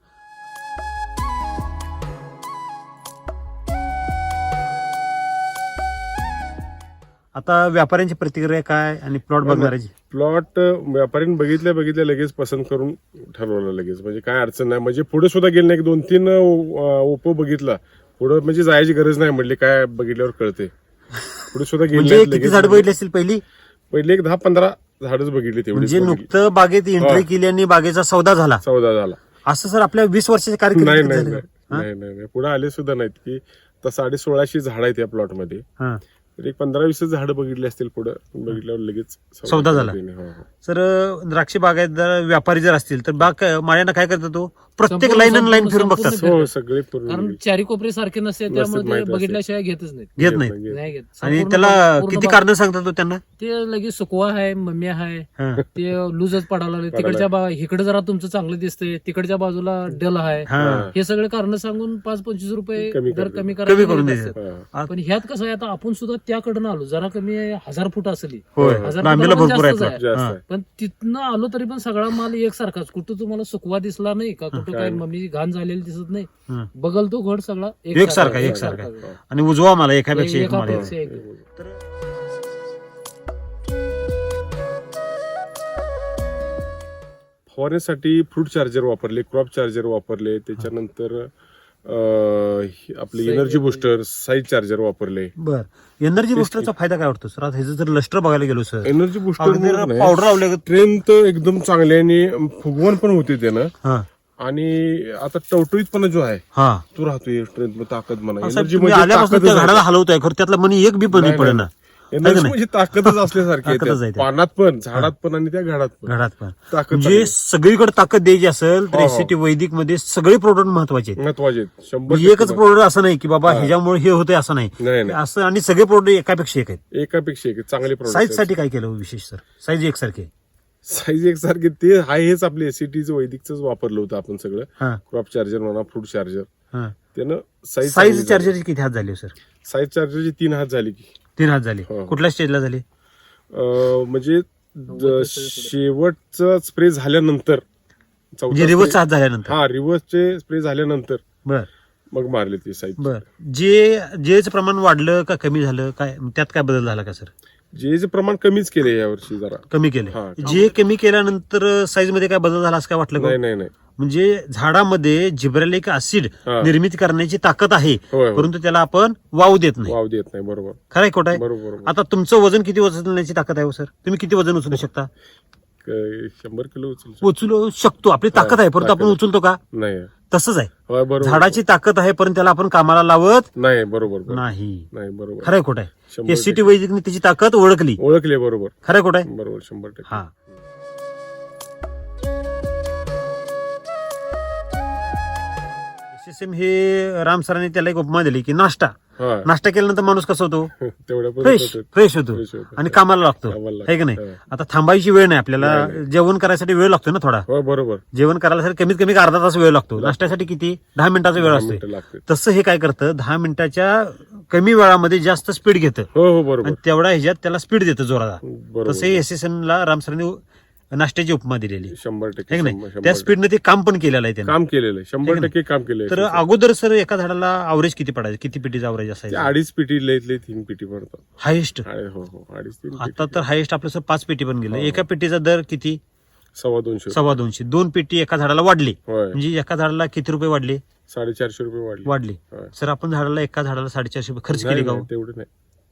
Speaker 1: आता व्यापाऱ्यांची प्रतिक्रिया काय आणि प्लॉट बघणाऱ्याची?
Speaker 2: प्लॉट व्यापाऱ्यांनी बघितल्या बघितल्या लगेच पसंत करून ठरवलं लगेच. म्हणजे काय अडचण नाही. म्हणजे पुढे सुद्धा गेले नाही. दोन तीन ओपो बघितला पुढे म्हणजे जायची गरज नाही. म्हटली काय बघितल्यावर कळते. पुढे सुद्धा
Speaker 1: म्हणजे
Speaker 2: गेले
Speaker 1: किती झाड बघितली असतील पहिली?
Speaker 2: पहिले एक दहा पंधरा झाडच बघितली तेवढी.
Speaker 1: म्हणजे नुकतं बागेत एंट्री केली आणि बागेचा सौदा झाला
Speaker 2: चौदा झाला.
Speaker 1: असं सर आपल्या वीस वर्षाच्या
Speaker 2: नाही
Speaker 1: कार्यक्रम
Speaker 2: नाही नाही नाही नाही नाही. पुढे आले सुद्धा नाहीत की आता साडे सोळाशे झाड आहेत या प्लॉट मध्ये. तर एक पंधरा वीस झाड बघितली असतील. पुढे बघितल्यावर लगेच
Speaker 1: सौदा झाला.
Speaker 2: हो, हो.
Speaker 1: सर द्राक्ष बागायतदार व्यापारी जर असतील तर बाग माळ्यानं काय करतात तो प्रत्येक
Speaker 3: संपूर्ण-
Speaker 1: लाईन लाईन
Speaker 3: संपूर्ण-
Speaker 1: फिरून बघतात.
Speaker 3: संपूर्ण
Speaker 2: हो, सगळे पूर्ण
Speaker 3: कारण चारी कोपरे सारखे नसते त्यामुळे ते
Speaker 2: माहित असते.
Speaker 3: बघितल्याशिवाय घेतच नाहीत.
Speaker 1: घेत नाही
Speaker 2: घेत
Speaker 3: नाही घेत.
Speaker 1: आणि
Speaker 3: संपूर्ण
Speaker 1: त्याला
Speaker 3: बाग- पूर्ण
Speaker 1: किती
Speaker 3: बाग-
Speaker 1: कारण सांगतात तो त्यांना?
Speaker 3: ते लगेच सुकवा आहे, मम्मी आहे,
Speaker 1: हा.
Speaker 3: ते लूजच पडायला लागले. तिकडच्या बा इकडे जरा तुमचं चांगलं दिसतंय, तिकडच्या बाजूला डल आहे.
Speaker 1: हा.
Speaker 3: हे सगळे कारण सांगून पाच पंचवीस रुपये
Speaker 2: कमी
Speaker 3: दर
Speaker 2: करतात.
Speaker 3: कमी
Speaker 1: कमी करून
Speaker 3: करायला
Speaker 1: द्यायचं.
Speaker 2: हा.
Speaker 3: पण ह्यात कसं आहे आता आपण सुद्धा त्याकडनं आलो. जरा कमी आहे, हजार फूट असली
Speaker 1: होय
Speaker 3: हजार
Speaker 1: लांबीला
Speaker 3: फुटाला पण
Speaker 1: भरपूर आहे
Speaker 3: जास्तच
Speaker 1: plot.
Speaker 2: जास्त
Speaker 1: हा.
Speaker 2: आहे.
Speaker 3: पण पण तिथनं आलो तरी पण सगळा माल एकसारखाच, कुठं तुम्हाला सुकवा दिसला नाही का, कुठं
Speaker 2: काय
Speaker 3: काय
Speaker 2: नाही.
Speaker 3: मम्मी घाण झालेली दिसत नाही.
Speaker 1: हं.
Speaker 3: बगल तो घड सगळा
Speaker 1: एकसारखा एकसारखा आणि उजवा मला एकापेक्षा एक माल आहे.
Speaker 3: एकापेक्षा एक.
Speaker 2: फवारण्यासाठी फ्रूट चार्जर वापरले, क्रॉप चार्जर वापरले, त्याच्यानंतर अं, हे आपले
Speaker 3: Size
Speaker 2: energy booster, size charger वापरले.
Speaker 1: बर एनर्जी बुस्टरचा फायदा काय वाटतो सर? आता ह्याचं जर लस्टर बघायला गेलो सर,
Speaker 2: एनर्जी बुस्टर
Speaker 1: पावडर लावले
Speaker 2: स्ट्रेंथ एकदम चांगली आणि फुगवण पण होते त्यानं.
Speaker 1: हा
Speaker 2: आणि आता टवटवीतपणा जो आहे
Speaker 1: हा
Speaker 2: तो राहतोय, स्ट्रेंथ ताकद म्हणा.
Speaker 1: साहेब,
Speaker 2: एनर्जी
Speaker 1: तुम्ही
Speaker 2: म्हणजे
Speaker 1: आल्यापासून
Speaker 2: ताकदच
Speaker 1: त्या
Speaker 2: आहे.
Speaker 1: झाडाला हलवतोय खरं त्यातला मनी एक बी पण
Speaker 2: नाही,
Speaker 1: पडे
Speaker 2: नाही.
Speaker 1: ना
Speaker 2: एनर्जी
Speaker 1: नाही?
Speaker 2: म्हणजे ताकदच असल्यासारखी आहे
Speaker 1: ताकदच आहे
Speaker 2: त्यात.
Speaker 1: त्यात.
Speaker 2: पानात पण, झाडात पण आणि त्या घडात पण
Speaker 1: घरात पण
Speaker 2: ताकद
Speaker 1: म्हणजे सगळीकडे ताकद द्यायची असेल तर
Speaker 2: हो, हो.
Speaker 1: एसीटी वैदिक मध्ये सगळे प्रोडक्ट महत्वाचे आहेत.
Speaker 2: महत्वाचे आहेत. शंभर
Speaker 1: म्हणजे एकच
Speaker 2: टक्के
Speaker 1: प्रोडक्ट असं नाही की बाबा ह्याच्यामुळे हे होते असं नाही,
Speaker 2: नाही नाही
Speaker 1: असं आणि सगळे प्रोडक्ट एकापेक्षा एक आहेत.
Speaker 2: एकापेक्षा एक चांगले
Speaker 1: साईज
Speaker 2: प्रोडक्ट.
Speaker 1: साठी काय केलं विशेष सर? साईज एकसारखे
Speaker 2: साईज एकसारखे ते हाय हेच आपले एसीटीचं वैदिकच वापरलं होतं आपण सगळं.
Speaker 1: हा
Speaker 2: क्रॉप चार्जर म्हणा, फ्रूट चार्जर,
Speaker 1: हा
Speaker 2: त्यानं साईज
Speaker 1: साईज चार्जरची किती हात झाली सर?
Speaker 2: साईज चार्जरची तीन हात झाली की.
Speaker 1: तीन हात झाली.
Speaker 2: हो.
Speaker 1: कुठल्या स्टेजला झाली?
Speaker 2: अं, म्हणजे ज- शेवटचा स्प्रे झाल्यानंतर चौथा
Speaker 1: म्हणजे रिव्हर्स
Speaker 2: spray-
Speaker 1: हात झाल्यानंतर.
Speaker 2: हा रिव्हर्सचे स्प्रे झाल्यानंतर
Speaker 1: बर
Speaker 2: मग मारले ते साईज.
Speaker 1: बर जे जेच प्रमाण वाढलं का कमी झालं काय, त्यात काय बदल झाला का सर?
Speaker 2: जे जे प्रमाण कमीच केले यावर्षी जरा.
Speaker 1: कमी केले.
Speaker 2: हा.
Speaker 1: जे कमी केल्यानंतर साईज मध्ये काय बदल झाला असं काय वाटलं का?
Speaker 2: नाही नाही नाही
Speaker 1: म्हणजे झाडामध्ये जिब्रेलिक ऍसिड
Speaker 2: हा.
Speaker 1: निर्मिती करण्याची ताकद आहे,
Speaker 2: होय, होय.
Speaker 1: परंतु त्याला आपण वाव देत नाही.
Speaker 2: वाव देत नाही. बरोबर
Speaker 1: खरं आहे खोटं आहे?
Speaker 2: बरोबर बरोबर.
Speaker 1: आता तुमचं वजन किती उचलण्याची ताकद आहे हो सर? तुम्ही किती वजन उचलू शकता?
Speaker 2: क- शंभर किलो उचल
Speaker 1: उचलू शकतो, आपली ताकद आहे, परंतु आपण
Speaker 2: ताकद.
Speaker 1: उचलतो का?
Speaker 2: नाही.
Speaker 1: तसंच आहे,
Speaker 2: होय, बरोबर.
Speaker 1: झाडाची ताकद आहे परंतु त्याला आपण कामाला लावत
Speaker 2: नाही. बरोबर बरोबर.
Speaker 1: नाही.
Speaker 2: नाही बरोबर.
Speaker 1: खरं आहे खोटं आहे?
Speaker 2: शंभर
Speaker 1: एससीटी वैदिकने त्याची ताकद ओळखली.
Speaker 2: ओळखले. बरोबर
Speaker 1: खरं आहे खोटं आहे?
Speaker 2: बरोबर. शंभर टक्के.
Speaker 1: हा एस एम हे राम सरांनी त्याला एक उपमा दिली की नाश्ता
Speaker 2: हा
Speaker 1: नाश्ता केल्यानंतर माणूस कसा होतो?
Speaker 2: तेवढ्या
Speaker 1: फ्रेश फ्रेश होतो
Speaker 2: फ्रेश होतो.
Speaker 1: आणि कामाला लागतो,
Speaker 2: कामाला लागतो.
Speaker 1: आहे की नाही?
Speaker 2: हा.
Speaker 1: आता थांबायची वेळ नाही आपल्याला,
Speaker 2: नाही, नाही.
Speaker 1: जेवण करायसाठी वेळ लागतो ना थोडा.
Speaker 2: हो बरोबर.
Speaker 1: जेवण करायला कमीत कमी अर्धा तास वेळ लागतो, नाश्त्यासाठी किती? दहा मिनिटाचा वेळ
Speaker 2: दहा
Speaker 1: असतो.
Speaker 2: मिनिटं लागते.
Speaker 1: तसं हे काय करतं, दहा मिनिटाच्या कमी वेळामध्ये जास्त स्पीड घेतं
Speaker 2: हो हो बरोबर
Speaker 1: आणि तेवढ्या ह्याच्यात त्याला स्पीड देतं जोराला.
Speaker 2: बरोबर.
Speaker 1: तसे एस एस एन ला राम सरांनी नाश्त्याची उपमा दिलेली,
Speaker 2: शंभर टक्के.
Speaker 1: आहे की
Speaker 2: शंभर-
Speaker 1: नाही?
Speaker 2: शंभर
Speaker 1: त्या
Speaker 2: टक्के.
Speaker 1: स्पीडने ते काम पण केलेलं आहे त्याने.
Speaker 2: काम केलेलं आहे. शंभर
Speaker 1: आहे
Speaker 2: टक्के काम केलंय.
Speaker 1: तर अगोदर सर एका झाडाला अवरेज किती पडायचं? किती पिटीचा अवरेज
Speaker 2: ते
Speaker 1: असायचं
Speaker 2: अडीच पिटी लयतले तीन पिटी पडतात.
Speaker 1: हायेस्ट?
Speaker 2: अरे हो हो अडीच तीन
Speaker 1: आता
Speaker 2: पिटी.
Speaker 1: तर हायेस्ट आपलं सर पाच पेटी पण गेलं.
Speaker 2: हो.
Speaker 1: एका पेटीचा दर किती?
Speaker 2: सव्वा दोनशे.
Speaker 1: सव्वा दोनशे. दोन पेटी एका झाडाला वाढली
Speaker 2: होय.
Speaker 1: म्हणजे एका झाडाला किती रुपये वाढले?
Speaker 2: साडेचारशे रुपये वाढले.
Speaker 1: वाढली.
Speaker 2: होय.
Speaker 1: सर आपण झाडाला एका झाडाला साडेचारशे रुपये खर्च
Speaker 2: नाही,
Speaker 1: केली का
Speaker 2: नाही,
Speaker 1: हो?
Speaker 2: तेवढे नाही.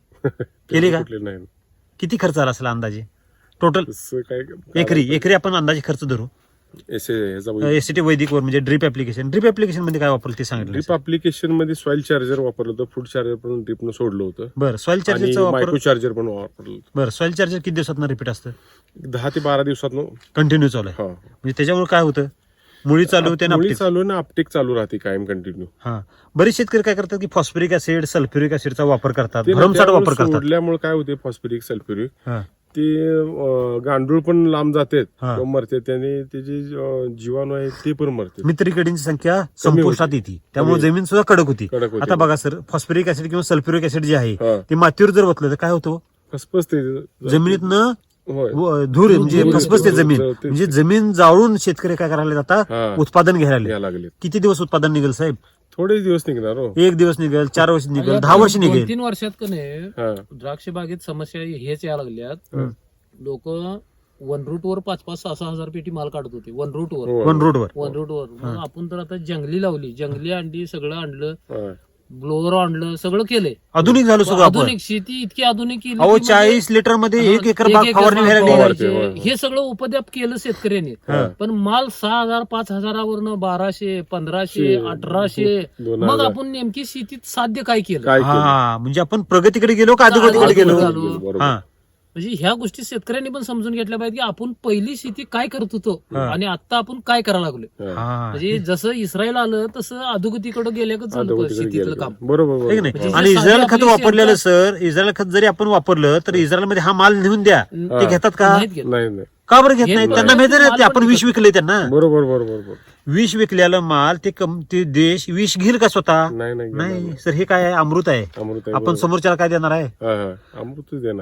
Speaker 1: केली का?
Speaker 2: कुठले नाही.
Speaker 1: किती खर्च आला असेल अंदाजे टोटल?
Speaker 2: तसं काय
Speaker 1: एकरी एकरी आपण अंदाजे खर्च धरू
Speaker 2: एस ह्याचा
Speaker 1: एसीटी वैदिक वर म्हणजे ड्रिप ऍप्लिकेशन. ड्रिप ऍप्लिकेशन मध्ये काय वापरलं ते सांगितलं
Speaker 2: ड्रिप
Speaker 1: सर.
Speaker 2: अप्लिकेशन मध्ये सॉइल चार्जर वापरलं होतं, फूड चार्जर पण ड्रिपनं सोडलं होतं
Speaker 1: बरं सॉइल
Speaker 2: आणि
Speaker 1: चार्जरचा वापर.
Speaker 2: मायक्रो चार्जर पण वापरलं होतं.
Speaker 1: बरं सॉइल चार्जर किती दिवसात रिपीट असतं?
Speaker 2: दहा ते बारा दिवसात
Speaker 1: कंटिन्यू चालू आहे म्हणजे त्याच्यामुळे काय होतं, मुळी चालू होते ना
Speaker 2: मुळी
Speaker 1: uptake.
Speaker 2: चालू आहे ना, अपटेक चालू राहते कायम कंटिन्यू.
Speaker 1: हा बरेच शेतकरी काय करतात की फॉस्फरिक ऍसिड सल्फ्युरिक ऍसिडचा वापर करतात,
Speaker 2: ते
Speaker 1: भरमसाठ
Speaker 2: त्यामुळे
Speaker 1: वापर करतात.
Speaker 2: सोडल्यामुळे काय होते, फॉस्फरिक सल्फ्युरिक
Speaker 1: हा.
Speaker 2: ते अं, गांडूळ पण लांब जातात
Speaker 1: हा.
Speaker 2: किंवा मरते, त्याने त्याचे अं, जीवाणू आहेत ते पण मरते.
Speaker 1: मित्रकिडींची संख्या संपुष्टात येते, त्यामुळे जमीन सुद्धा कडक होती.
Speaker 2: कडक होते.
Speaker 1: आता बघा सर, फॉस्फरिक ऍसिड किंवा सल्फ्युरिक ऍसिड जे आहे
Speaker 2: हा.
Speaker 1: ते मातीवर जर ओतलं तर काय होतं?
Speaker 2: फसफसते
Speaker 1: जमिनीतनं
Speaker 2: होय.
Speaker 1: व- धूर म्हणजे
Speaker 2: धूर-
Speaker 1: फसफसते
Speaker 2: धूर-
Speaker 1: जमीन,
Speaker 2: जळते.
Speaker 1: म्हणजे जमीन जाळून शेतकरी काय करायला जातात,
Speaker 2: हा.
Speaker 1: उत्पादन घ्यायला लागले.
Speaker 2: या लागले.
Speaker 1: किती दिवस उत्पादन निघेल साहेब?
Speaker 2: थोडेच दिवस निघणार हो.
Speaker 1: एक दिवस निघेल, चार वर्ष निघेल,
Speaker 3: या
Speaker 1: दहा
Speaker 3: दोन-
Speaker 1: वर्ष
Speaker 3: दोन
Speaker 1: निघेल.
Speaker 3: तीन वर्षात का नाही
Speaker 2: हा.
Speaker 3: द्राक्ष बागेत समस्या हेच यायला लागल्यात.
Speaker 1: हं.
Speaker 3: लोक वन रूट वर पाच पाच सहा सहा हजार पेटी माल काढत होते वन रूट वर
Speaker 2: होय.
Speaker 1: वन रोडवर.
Speaker 3: वन रूट वर मग आपण तर आता जंगली लावली, जंगली आणली, सगळं आणलं,
Speaker 2: होय.
Speaker 3: ब्लोअर आणलं, सगळं केलंय.
Speaker 1: आधुनिक झालो सगळं आपण.
Speaker 3: आधुनिक शेती इतकी आधुनिक केली
Speaker 1: अहो
Speaker 3: की म्हणजे-
Speaker 1: चाळीस लिटर मध्ये एक
Speaker 3: हा,
Speaker 1: एकर बाग
Speaker 3: एकर
Speaker 1: फवारणी
Speaker 3: बाग
Speaker 1: व्हायला
Speaker 3: फवारायची.
Speaker 1: लागली.
Speaker 2: होय, होय.
Speaker 3: हे सगळं उपद्याप केलं शेतकऱ्यांनी.
Speaker 2: हा.
Speaker 3: पण माल सहा हजार पाच हजारावरनं बाराशे पंधराशे
Speaker 2: शे-
Speaker 3: अठराशे
Speaker 2: दोन
Speaker 3: मग
Speaker 2: हजार.
Speaker 3: आपण नेमकी शेतीत साध्य काय केलं
Speaker 2: काय केलं?
Speaker 1: हा म्हणजे आपण प्रगतीकडे गेलो का अधोगतीकडे
Speaker 3: अधोगतीकडे
Speaker 1: गेलो?
Speaker 3: गेलो.
Speaker 2: बरोबर.
Speaker 1: हा
Speaker 3: म्हणजे ह्या गोष्टी शेतकऱ्यांनी पण समजून घेतल्या पाहिजे की आपण पहिली शेती काय करत होतो
Speaker 1: हा.
Speaker 3: आणि आता आपण काय करायला लागलोय.
Speaker 2: हा.
Speaker 1: हा
Speaker 3: म्हणजे जसं इस्रायल आलं तसं अधोगतीकडे गेल्या का चालू
Speaker 2: अधोगतीकडे
Speaker 3: शेतीतलं
Speaker 2: गेलं.
Speaker 3: काम.
Speaker 2: बरोबर
Speaker 1: आहे की
Speaker 2: बरोबर.
Speaker 1: नाही?
Speaker 3: म्हणजे
Speaker 1: आणि
Speaker 3: जे
Speaker 1: इस्रायल
Speaker 3: साधी
Speaker 1: खत
Speaker 3: आपली
Speaker 1: वापरलेलं
Speaker 3: शेतात-
Speaker 1: सर, इस्रायल खत जरी आपण वापरलं तर इस्रायलमध्ये हा माल नेऊन द्या,
Speaker 3: हा.
Speaker 1: ते घेतात का?
Speaker 3: नाहीत घेत.
Speaker 2: नाही नाही.
Speaker 1: का बरं घेत
Speaker 3: घेत
Speaker 1: नाही?
Speaker 3: नाही.
Speaker 1: त्यांना माहिती नाही, ते
Speaker 3: माल
Speaker 1: आपण
Speaker 3: पण
Speaker 1: विष
Speaker 3: घेतात.
Speaker 1: विकले त्यांना.
Speaker 2: बरोबर बरोबर बरोबर.
Speaker 1: विष विकलेलं माल ते कम- ते देश विष घेईल का स्वतः?
Speaker 2: नाही नाही घेणार
Speaker 1: नाही
Speaker 2: नाही.
Speaker 1: सर, हे काय आहे? अमृत आहे.
Speaker 2: अमृत आहे,
Speaker 1: आपण
Speaker 2: बरोबर.
Speaker 1: समोरच्याला काय देणार आहे?
Speaker 2: हा, हा. अमृतच देणार आहे.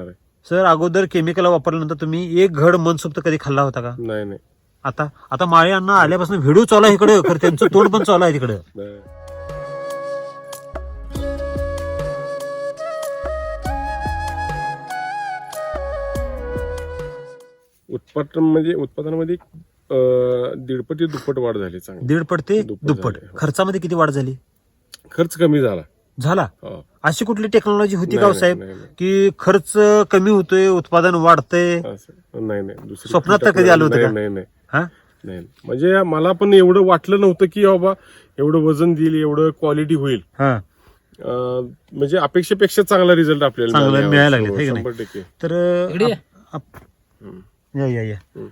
Speaker 1: सर अगोदर केमिकल वापरल्यानंतर तुम्ही एक घड मनसोक्त कधी खाल्ला होता का?
Speaker 2: नाही नाही
Speaker 1: आता आता माळे अण्णा आल्यापासून व्हिडिओ चालू आहे इकडे, खरं त्यांचं तोंड पण चालू आहे तिकडे.
Speaker 2: नाही. उत्पादन म्हणजे उत्पादनामध्ये अं, दीडपट ते दुप्पट वाढ झाली चांगली.
Speaker 1: दीडपट ते
Speaker 2: दुप्पट
Speaker 1: दुप्पट.
Speaker 2: झाले, हो.
Speaker 1: खर्चामध्ये किती वाढ झाली?
Speaker 2: खर्च कमी झाला.
Speaker 1: झाला.
Speaker 2: हो.
Speaker 1: अशी कुठली टेक्नॉलॉजी होती का
Speaker 2: नाही,
Speaker 1: हो साहेब
Speaker 2: नाही, नाही.
Speaker 1: की खर्च कमी होतोय उत्पादन वाढतंय?
Speaker 2: असं नाही नाही दुसरी
Speaker 1: स्वप्नात तर कधी आलं होतं
Speaker 2: नाही
Speaker 1: का?
Speaker 2: नाही नाही
Speaker 1: हा
Speaker 2: नाही म्हणजे मला पण एवढं वाटलं नव्हतं की बाबा एवढं वजन देईल एवढं क्वालिटी होईल.
Speaker 1: हा
Speaker 2: अं, म्हणजे अपेक्षेपेक्षा चांगला रिझल्ट आपल्याला
Speaker 1: चांगला
Speaker 2: मिळाला.
Speaker 1: मिळायला लागले,
Speaker 2: हो,
Speaker 1: है का नाही?
Speaker 2: शंभर टक्के.
Speaker 1: तर
Speaker 3: इकडे ये.
Speaker 1: आप- आप- या या या
Speaker 2: हम्म.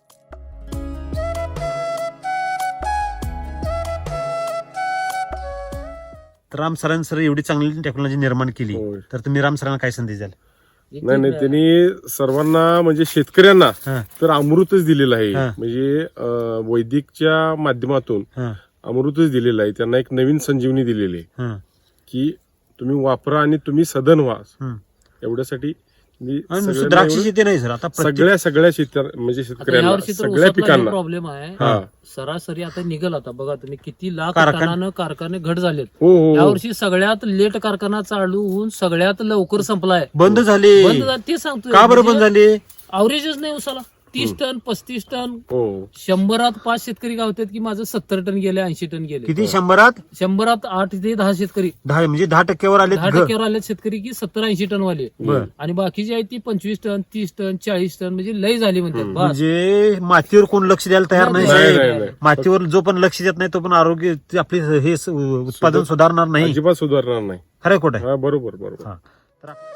Speaker 1: तर राम सरांनी सर एवढी चांगली टेक्नॉलॉजी निर्माण केली,
Speaker 2: होय.
Speaker 1: तर तुम्ही राम सरांना काय संदेश द्याल?
Speaker 2: नाही नाही त्यांनी सर्वांना म्हणजे शेतकऱ्यांना
Speaker 1: हा
Speaker 2: तर अमृतच दिलेलं आहे.
Speaker 1: हा.
Speaker 2: म्हणजे अं, वैदिकच्या माध्यमातून
Speaker 1: हा
Speaker 2: अमृतच दिलेलं आहे. त्यांना एक नवीन संजीवनी दिलेली आहे
Speaker 1: हा
Speaker 2: की तुम्ही वापरा आणि तुम्ही सदन व्हा.
Speaker 1: हम्म.
Speaker 2: एवढ्यासाठी मी
Speaker 1: आणि नुसतं
Speaker 2: सगळ्यांना
Speaker 1: द्राक्ष
Speaker 2: एवढं-
Speaker 1: शेती नाही सर, आता प्रत्येक-
Speaker 2: सगळ्या सगळ्या शेत म्हणजे
Speaker 3: आता
Speaker 2: शेतकऱ्यांना
Speaker 3: यावर्षी तर
Speaker 2: सगळ्या पिकांना
Speaker 3: प्रॉब्लेम आहे.
Speaker 2: हा.
Speaker 3: सरासरी आता निघल आता बघा तुम्ही किती लाख
Speaker 1: कारखान-
Speaker 3: टनानं कारखाने घट झालेत.
Speaker 2: हो हो, हो
Speaker 3: यावर्षी सगळ्यात लेट कारखाना चालू होऊन सगळ्यात लवकर संपलाय.
Speaker 1: बंद झाले.
Speaker 3: बंद झाले ते सांगतो.
Speaker 1: का बरं बंद झाले?
Speaker 3: अवरेजच नाही उसाला. तीस टन पस्तीस टन
Speaker 2: हो
Speaker 3: शंभरात पाच शेतकरी गावतात की माझं सत्तर टन गेले ऐंशी टन गेले.
Speaker 1: किती शंभरात
Speaker 3: शंभरात आठ ते दहा शेतकरी
Speaker 1: दहा म्हणजे दहा टक्क्यावर आले.
Speaker 3: दहा टक्क्यावर आले शेतकरी की सत्तर ऐंशी टन वाले.
Speaker 1: बर.
Speaker 3: आणि बाकीची आहेत ती पंचवीस टन तीस टन चाळीस टन म्हणजे लय झाली म्हणतात. बस
Speaker 1: म्हणजे मातीवर कोण लक्ष द्यायला तयार नाही
Speaker 3: नाही,
Speaker 1: साहेब.
Speaker 2: नाही, नाही.
Speaker 1: मातीवर जो पण लक्ष देत नाही तो पण आरोग्य ते आपली हे स- उत्पादन सुधारणार नाही.
Speaker 2: अजिबात सुधारणार नाही.
Speaker 1: खरं खोट आहे?
Speaker 2: हा बरोबर बरोबर.
Speaker 1: हा. तर आप-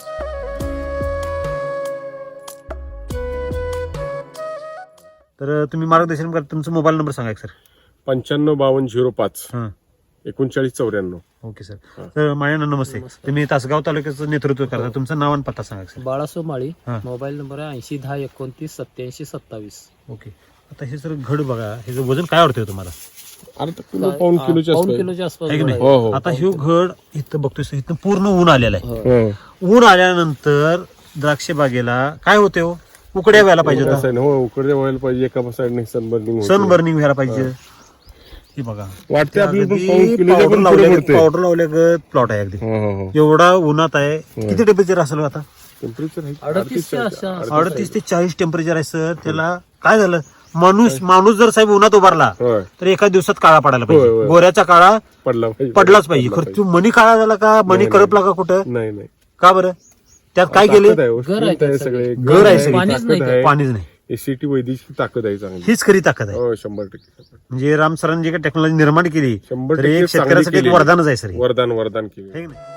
Speaker 1: तर तुम्ही मार्गदर्शन करा. तुमचा मोबाईल नंबर सांगा सर.
Speaker 2: पंच्याण्णव बावन्न झिरो पाच
Speaker 1: हा
Speaker 2: एकोणचाळीस चौऱ्याण्णव.
Speaker 1: Okay sir. तर माझ्या नमस्ते. तुम्ही तासगाव तालुक्याचं नेतृत्व करता. तुमचं नाव आणि पत्ता सांगा सर.
Speaker 3: बाळासो माळी
Speaker 1: हा.
Speaker 3: मोबाईल नंबर आहे ऐंशी दहा एकोणतीस सत्याऐंशी सत्तावीस.
Speaker 1: ओके. आता हे सर घड बघा, हे जे वजन काय वाटतंय तुम्हाला?
Speaker 2: अर्धा किलो पाऊन किलोच्या
Speaker 3: पाऊन
Speaker 2: आसपास.
Speaker 3: किलोच्या आसपास
Speaker 1: आहे की नाही?
Speaker 3: गोळा
Speaker 2: हो हो
Speaker 1: आता हे घड इथं बघतोय सर, इथं पूर्ण ऊन आलेलं आहे.
Speaker 2: हो.
Speaker 1: ऊन आल्यानंतर द्राक्ष बागेला काय होते हो? उकड्या व्हायला पाहिजे
Speaker 2: एका
Speaker 1: होता.
Speaker 2: side ने, हो उकडे व्हायला पाहिजे. एका साईडने सनबर्निंग
Speaker 1: सन बर्निंग व्हायला पाहिजे. हे बघा
Speaker 2: वाटते आपल्याला पण पाऊन किलोच्या
Speaker 1: पावडर
Speaker 2: पण पुढे
Speaker 1: लावल्या
Speaker 2: पडते.
Speaker 1: पावडर लावल्या प्लॉट आहे अगदी.
Speaker 2: हो हो हो
Speaker 1: एवढा उन्हात आहे. किती टेम्परेचर असेल आता?
Speaker 2: टेम्परेचर आहे
Speaker 3: अडतीस ते अशा-
Speaker 1: अडतीस ते चाळीस टेम्परेचर आहे सर. त्याला काय झालं? माणूस माणूस जर साहेब उन्हात उभारला
Speaker 2: होय
Speaker 1: तर एका दिवसात काळा पडायला
Speaker 2: होय,
Speaker 1: पाहिजे.
Speaker 2: होय.
Speaker 1: गोऱ्याचा काळा
Speaker 2: पडला पाहिजे
Speaker 1: पडलाच पाहिजे. खरं तू मणी काळा झाला का? मणी
Speaker 2: नाही,
Speaker 1: करपला का कुठं?
Speaker 2: नाही नाही
Speaker 1: का बरं? त्यात काय गेले?
Speaker 2: ताकद आहे, हो,
Speaker 3: घर आहे
Speaker 2: strength आहे
Speaker 3: त्यात
Speaker 2: सगळे.
Speaker 3: सगळे.
Speaker 1: घर आहे सगळी.
Speaker 3: पाणीच
Speaker 2: ताकद
Speaker 3: नाही
Speaker 2: आहे.
Speaker 1: पाणीच नाही.
Speaker 2: एसीटी वैदिकची ताकद आहे चांगली.
Speaker 1: हीच खरी ताकद आहे.
Speaker 2: हो शंभर टक्के
Speaker 1: म्हणजे राम सरांनी जे काही टेक्नॉलॉजी निर्माण केली
Speaker 2: शंभर
Speaker 1: तर
Speaker 2: टक्के
Speaker 1: एक शेतकऱ्यासाठी
Speaker 2: चांगली
Speaker 1: एक
Speaker 2: केली.
Speaker 1: वरदानच आहे सर हे.
Speaker 2: वरदान वरदान केली.
Speaker 1: है की नाही?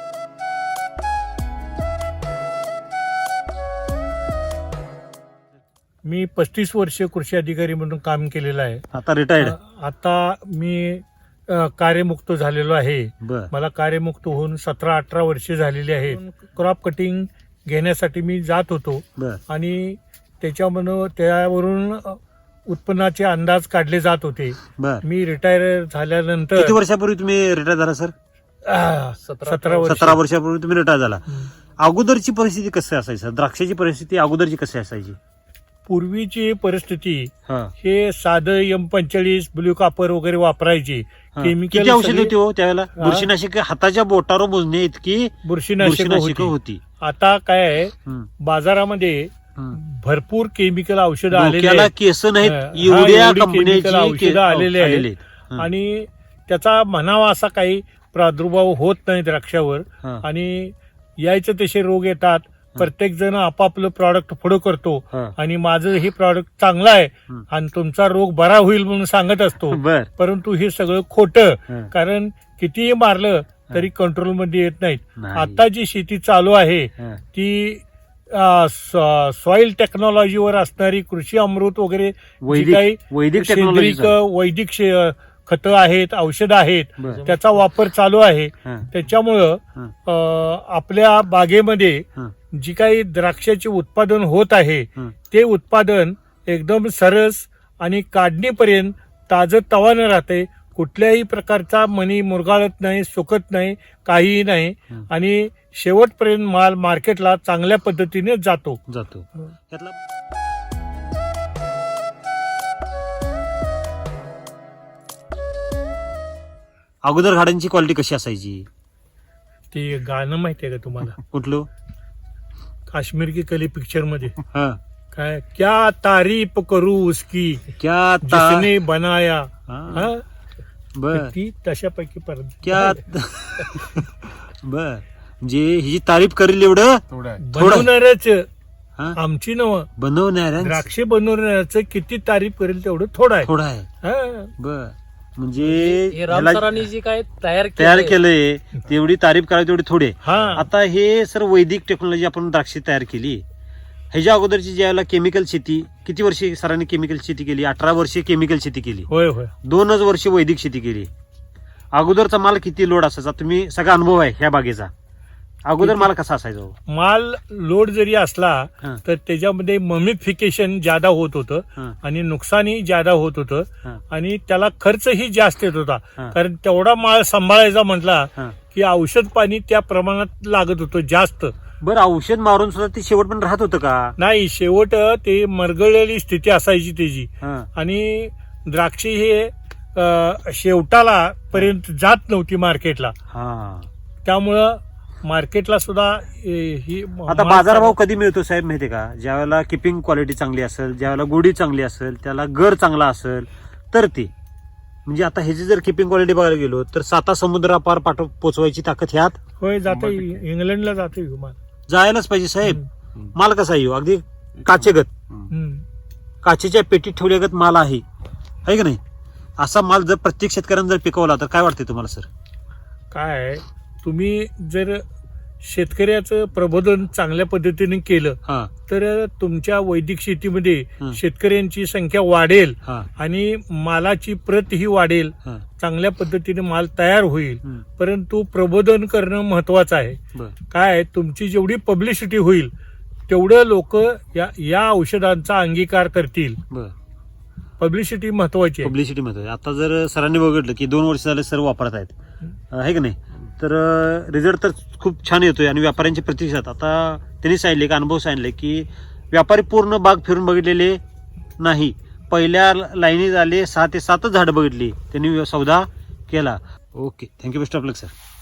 Speaker 4: मी पस्तीस वर्ष कृषी अधिकारी म्हणून काम केलेलं आहे.
Speaker 1: आता रिटायर्ड.
Speaker 4: आता मी अ, कार्यमुक्त झालेलो आहे.
Speaker 1: बर
Speaker 4: मला कार्यमुक्त होऊन सतरा अठरा वर्षे झालेली आहेत. क्रॉप कटिंग घेण्यासाठी मी जात होतो
Speaker 1: बर
Speaker 4: आणि त्याच्यामधून त्यावरून अ, उत्पन्नाचे अंदाज काढले जात होते.
Speaker 1: बर
Speaker 4: मी रिटायर झाल्यानंतर
Speaker 1: किती वर्षापूर्वी तुम्ही रिटायर झाला सर?
Speaker 4: आ,
Speaker 3: सतरा-
Speaker 4: सतरा वर्ष
Speaker 1: सतरा वर्षापूर्वी तुम्ही रिटायर झाला. अगोदरची परिस्थिती कशी असायची सर? द्राक्षाची परिस्थिती अगोदरची कशी असायची?
Speaker 4: पूर्वीची परिस्थिती
Speaker 1: हा.
Speaker 4: हे साधं एम पंचेचाळीस ब्ल्यू कापर वगैरे वापरायचे.
Speaker 1: हा.
Speaker 4: केमिकल
Speaker 1: किती औषध
Speaker 4: सगळे-
Speaker 1: होती हो त्यावेळेला?
Speaker 4: हा.
Speaker 1: बुरशीनाशक हाताच्या बोटावर मोजणे इतकी
Speaker 4: बुरशीनाशक
Speaker 1: बुरशीनाशक
Speaker 4: होती.
Speaker 1: होती.
Speaker 4: आता काय आहे
Speaker 1: हम्म.
Speaker 4: बाजारामध्ये
Speaker 1: हम्म.
Speaker 4: भरपूर केमिकल औषधं आलेली
Speaker 1: डोक्याला
Speaker 4: आहेत.
Speaker 1: केस नाहीत
Speaker 4: हा,
Speaker 1: एवढ्या
Speaker 4: एवढी
Speaker 1: कंपन्याची
Speaker 4: chemical औषधं
Speaker 1: के-
Speaker 4: आलेली आहेत.
Speaker 1: आलेली आहेत. हा.
Speaker 4: आणि त्याचा म्हणावा असा काही प्रादुर्भाव होत नाही द्राक्षावर.
Speaker 1: हा.
Speaker 4: आणि यायचे तसे रोग येतात. प्रत्येक जण आपापलं प्रॉडक्ट पुढं करतो
Speaker 1: हा.
Speaker 4: आणि माझं हे प्रॉडक्ट चांगलं आहे
Speaker 1: हम्म.
Speaker 4: आणि तुमचा रोग बरा होईल म्हणून सांगत असतो.
Speaker 1: बर
Speaker 4: परंतु हे सगळं खोटं.
Speaker 1: हा.
Speaker 4: कारण कितीही मारलं तरी कंट्रोलमध्ये येत नाहीत.
Speaker 1: नाही.
Speaker 4: आता जी शेती चालू आहे
Speaker 1: हा.
Speaker 4: ती सॉइल टेक्नॉलॉजीवर असणारी कृषी अमृत वगैरे जी
Speaker 1: वैदिक
Speaker 4: काही
Speaker 1: वैदिक
Speaker 4: सेंद्रिक
Speaker 1: टेक्नॉलॉजी.
Speaker 4: वैदिक शे- खतं आहेत औषधं आहेत
Speaker 1: बर.
Speaker 4: त्याचा वापर चालू आहे.
Speaker 1: हा.
Speaker 4: त्याच्यामुळं
Speaker 1: हा.
Speaker 4: अं, आपल्या बागेमध्ये
Speaker 1: हा.
Speaker 4: जी काही द्राक्षाचे उत्पादन होत आहे
Speaker 1: हा.
Speaker 4: ते उत्पादन एकदम सरस आणि काढणीपर्यंत ताजं तवानं राहते. कुठल्याही प्रकारचा मनी मुरगाळत नाही, सुकत नाही, काहीही नाही आणि शेवटपर्यंत माल मार्केटला चांगल्या पद्धतीने जातो.
Speaker 1: जातो त्यातला अगोदर झाडांची क्वालिटी कशी असायची?
Speaker 4: ते गाणं माहितीये का तुम्हाला?
Speaker 1: कुठलं?
Speaker 4: काश्मीर की कली पिक्चर मध्ये
Speaker 1: हा
Speaker 4: काय, क्या तारीफ करू उसकी
Speaker 1: क्या ता
Speaker 4: जिसने बनाया.
Speaker 1: हा.
Speaker 4: हा?
Speaker 1: बर
Speaker 4: ती तशापैकी परत
Speaker 1: क्या बर म्हणजे ही तारीफ करेल एवढं
Speaker 2: तेवढं आहे.
Speaker 4: बनवणारच
Speaker 1: हा?
Speaker 4: आमची नव
Speaker 1: बनवणाऱ्या
Speaker 4: द्राक्षे बनवण्याचं किती तारीफ करेल तेवढं थोडं आहे.
Speaker 1: थोडा आहे.
Speaker 4: हा.
Speaker 1: बर म्हणजे
Speaker 3: हे राम
Speaker 1: ह्याला
Speaker 3: सरांनी जे काय तयार
Speaker 1: तयार
Speaker 3: केलंय,
Speaker 1: केलंय तेवढी तारीफ करावी तेवढी थोडे.
Speaker 4: हा
Speaker 1: आता हे सर वैदिक टेक्नॉलॉजी आपण द्राक्षे तयार केली. ह्याच्या अगोदरची ज्यावेळेला केमिकल शेती किती वर्षे सरांनी केमिकल शेती केली? अठरा वर्षे केमिकल शेती केली,
Speaker 4: होय होय
Speaker 1: दोनच वर्ष वैदिक शेती केली. अगोदरचा माल किती लोड असायचा? तुम्ही सगळा अनुभव आहे ह्या बागेचा. अगोदर माल कसा असायचा हो?
Speaker 4: माल लोड जरी असला
Speaker 1: हा.
Speaker 4: तर त्याच्यामध्ये ममिफिकेशन ज्यादा होत होतं
Speaker 1: हा.
Speaker 4: आणि नुकसानही ज्यादा होत होतं
Speaker 1: हा.
Speaker 4: आणि त्याला खर्चही जास्त येत होता.
Speaker 1: हा.
Speaker 4: कारण तेवढा माल सांभाळायचा म्हटला
Speaker 1: हा.
Speaker 4: की औषध पाणी त्या प्रमाणात लागत होतं जास्त.
Speaker 1: बरं औषध मारून सुद्धा ते शेवट पण राहत होतं का?
Speaker 4: नाही, शेवट ते मरगळलेली स्थिती असायची त्याची
Speaker 1: हा.
Speaker 4: आणि द्राक्षे हे अ, शेवटाला पर्यंत जात नव्हती मार्केटला.
Speaker 1: हा.
Speaker 4: त्यामुळं मार्केटला सुद्धा ए, ही
Speaker 1: आता
Speaker 4: माल-
Speaker 1: बाजारभाव कधी मिळतो साहेब माहितीये का? ज्यावेळेला किपिंग क्वालिटी चांगली असेल, ज्यावेळेला गोडी चांगली असेल, त्याला गर चांगला असेल तर ते म्हणजे आता ह्याची जर किपिंग क्वालिटी बघायला गेलो तर साता समुद्रापार पाठव पोचवायची ताकद ह्यात
Speaker 4: होय जाते, इंग्लंडला जाते विमान.
Speaker 1: जायलाच पाहिजे साहेब. माल कसा येऊ अगदी काचेगत,
Speaker 4: हम्म.
Speaker 1: काचेच्या पेटीत ठेवल्यागत माल आहे है की नाही? असा माल जर प्रत्येक शेतकऱ्याने जर पिकवला तर काय वाटतंय तुम्हाला सर?
Speaker 4: काय आहे, तुम्ही जर शेतकऱ्याचं प्रबोधन चांगल्या पद्धतीने केलं
Speaker 1: हा
Speaker 4: तर तुमच्या वैदिक शेतीमध्ये
Speaker 1: हं.
Speaker 4: शेतकऱ्यांची संख्या वाढेल
Speaker 1: हा
Speaker 4: आणि मालाची प्रत ही वाढेल.
Speaker 1: हा
Speaker 4: चांगल्या पद्धतीने माल तयार होईल.
Speaker 1: हं.
Speaker 4: परंतु प्रबोधन करणं महत्वाचं आहे.
Speaker 1: बर
Speaker 4: काय आहे, तुमची जेवढी पब्लिसिटी होईल तेवढं लोक या या औषधांचा अंगीकार करतील.
Speaker 1: बर
Speaker 4: पब्लिसिटी महत्वाची आहे.
Speaker 1: पब्लिसिटी मध्ये आता जर सरांनी बघितलं की दोन वर्ष झाले सर वापरत आहेत आहे की नाही, तर रिझल्ट तर खूप छान येतोय आणि व्यापाऱ्यांचे प्रतिसाद आता त्यांनी सांगितले का अनुभव सांगितले की व्यापारी पूर्ण बाग फिरून बघितलेले नाही. पहिल्या लाईनी झाले सहा ते सातच झाडं बघितली त्यांनी सौदा केला. Okay, thank you best of luck sir.